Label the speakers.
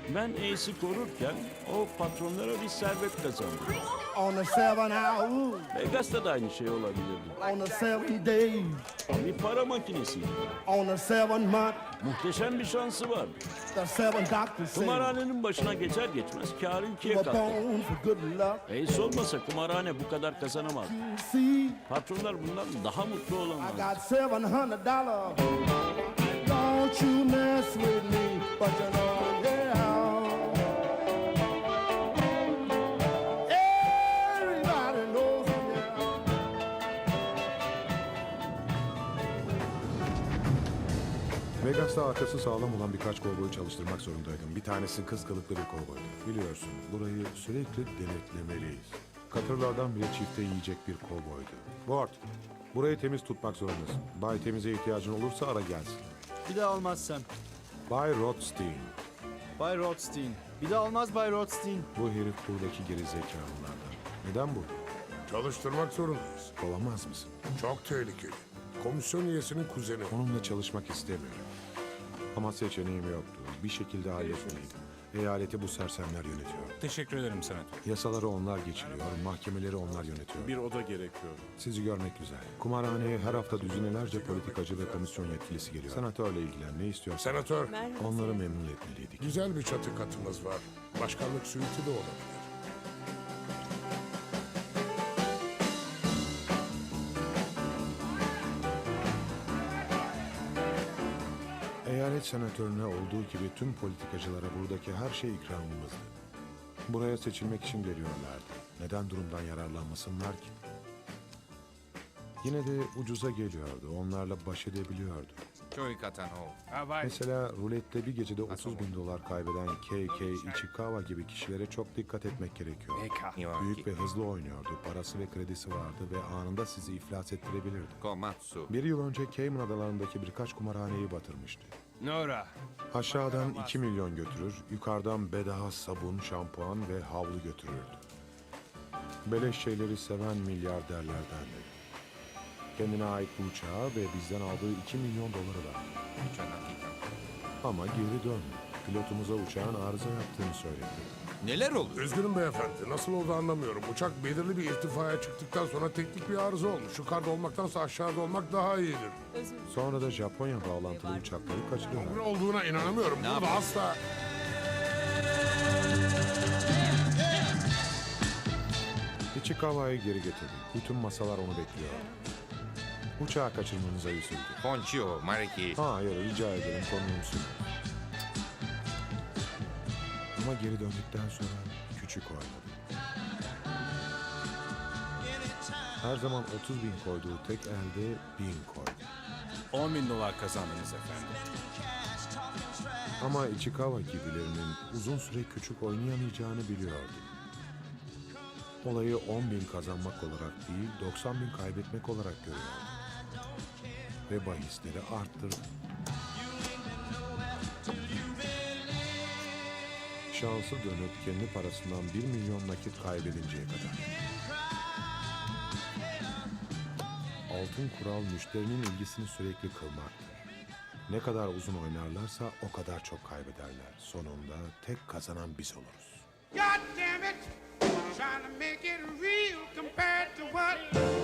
Speaker 1: Ben Ace'i korurken o patronlara bir servet kazandı.
Speaker 2: On the 7 hour,
Speaker 1: Vegas'ta da aynı şey olabilirdi.
Speaker 2: on the 7 days,
Speaker 1: Bir para makinesiydi.
Speaker 2: on the 7 month,
Speaker 1: Muhteşem bir şansı var.
Speaker 2: the 7 doctors say
Speaker 1: Kumarhanenin başına geçer geçmez kârı ikiye
Speaker 2: you were
Speaker 1: katladı.
Speaker 2: born for good luck.
Speaker 1: Ace olmasa kumarhane bu kadar kazanamaz.
Speaker 2: See,
Speaker 1: Patronlar bundan daha mutlu
Speaker 2: I
Speaker 1: olamaz.
Speaker 2: got $700. Don't you mess with me, but you know, yeah. Everybody knows me now.
Speaker 3: Vegas'ta arkası sağlam olan birkaç kovboyu çalıştırmak zorundaydım. Bir tanesi kız kılıklı bir kovboydu. Biliyorsun, burayı sürekli denetlemeliyiz. Katırlardan bile çifte yiyecek bir kovboydu. Ward, burayı temiz tutmak zorundasın. Bay Temiz'e ihtiyacın olursa ara gelsin.
Speaker 4: Bir daha olmaz Sam.
Speaker 3: Bay Rothstein,
Speaker 4: Bay Rothstein. Bir daha olmaz Bay Rothstein.
Speaker 3: bu herif buradaki geri zekalılardan. Neden bu?
Speaker 5: Çalıştırmak zorundayız.
Speaker 3: Olamaz mısın?
Speaker 5: Çok tehlikeli. Komisyon üyesinin kuzeni.
Speaker 3: Onunla çalışmak istemiyorum. Ama seçeneğim yoktu. Bir şekilde halletmeliydim. Eyaleti bu sersemler yönetiyor.
Speaker 6: Teşekkür ederim senatör.
Speaker 3: Yasaları onlar geçiriyor, mahkemeleri onlar yönetiyor.
Speaker 6: Bir oda gerekiyor.
Speaker 3: Sizi görmek güzel. Kumarhaneye her hafta düzinelerce politikacı ve komisyon yetkilisi geliyor. Senatörle ilgilen, ne istiyorsan.
Speaker 5: Senatör,
Speaker 3: Onları memnun etmeliydik.
Speaker 5: güzel bir çatı katımız var. Başkanlık suiti de olabilir.
Speaker 3: Eyalet senatörüne olduğu gibi tüm politikacılara buradaki her şey ikramımızdı. Buraya seçilmek için geliyorlardı. Neden durumdan yararlanmasınlar ki? Yine de ucuza geliyordu. Onlarla baş edebiliyordu. Mesela rulette bir gecede 30 bin dolar kaybeden KK Ichikawa gibi kişilere çok dikkat etmek gerekiyor. Büyük ve hızlı oynuyordu. Parası ve kredisi vardı ve anında sizi iflas ettirebilirdi. Bir yıl önce Cayman Adaları'ndaki birkaç kumarhaneyi batırmıştı.
Speaker 6: Nora.
Speaker 3: Aşağıdan 2 milyon götürür, yukarıdan bedava sabun, şampuan ve havlu götürürdü. Beleş şeyleri seven milyarderlerdendi. Kendine ait bu uçağı ve bizden aldığı 2 milyon doları verdi. Ama geri döndü. Pilotumuza uçağın arıza yaptığını söyledi.
Speaker 7: Neler oluyor?
Speaker 5: Üzgünüm beyefendi. Nasıl oldu anlamıyorum. Uçak belirli bir irtifaya çıktıktan sonra teknik bir arıza olmuş. Yukarıda olmaktansa aşağıda olmak daha iyidir.
Speaker 3: Sonra da Japonya bağlantılı uçakları
Speaker 5: Ne
Speaker 3: kaçırıyorlar.
Speaker 5: olduğuna inanamıyorum. Burada asla...
Speaker 3: Ichikawa'yı geri getirdi. Bütün masalar onu bekliyor. Uçağı kaçırmanıza üzüldü.
Speaker 7: Ponçio, Mariki.
Speaker 3: Hayır, rica ederim, konuğumsun. Ama geri döndükten sonra küçük oynadı. Her zaman 30 bin koyduğu tek elde 1000 koydu.
Speaker 6: 10 bin dolar kazandınız efendim.
Speaker 3: Ama Ichikawa gibilerinin uzun süre küçük oynayamayacağını biliyordu. Olayı 10 bin kazanmak olarak değil, 90 bin kaybetmek olarak görüyordu. Ve bahisleri arttırdı. Şansı dönüp kendi parasından 1 milyon nakit kaybedinceye kadar. Altın kural müşterinin ilgisini sürekli kılmaktır. Ne kadar uzun oynarlarsa o kadar çok kaybederler. Sonunda tek kazanan biz oluruz.
Speaker 8: God damn it, trying to make it real compared to what